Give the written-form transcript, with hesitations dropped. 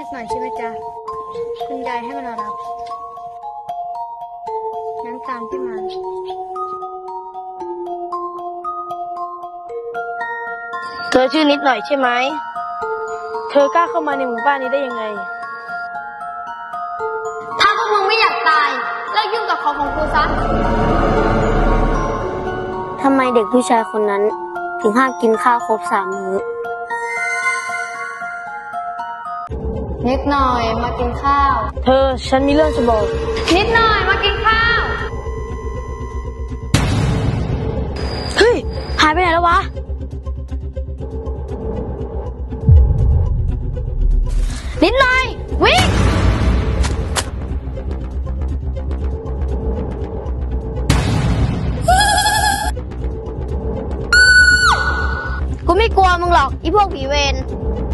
บหน่อยใช่ไหมจ๊ะคุณยายให้มารอรับงั้นตามพี่มาเธอชื่อนิดหน่อยใช่ไหม เธอกล้าเข้ามาในหมู่บ้านนี้ได้ยังไงถ้าพวกมึงไม่อยากตายเลิกยุ่งกับของกูซะทำไมเด็กผู้ชายคนนั้นถึงห้ามกินข้าวครบ3 มื้อนิดหน่อยมากินข้าวเธอฉันมีเรื่องจะบอกนิดหน่อยมากินข้าวเฮ้ย หายไปไหนแล้ววะนิดหน่อยวิ่งกูไม่กลัวมึงหรอกอีพวกผีเวร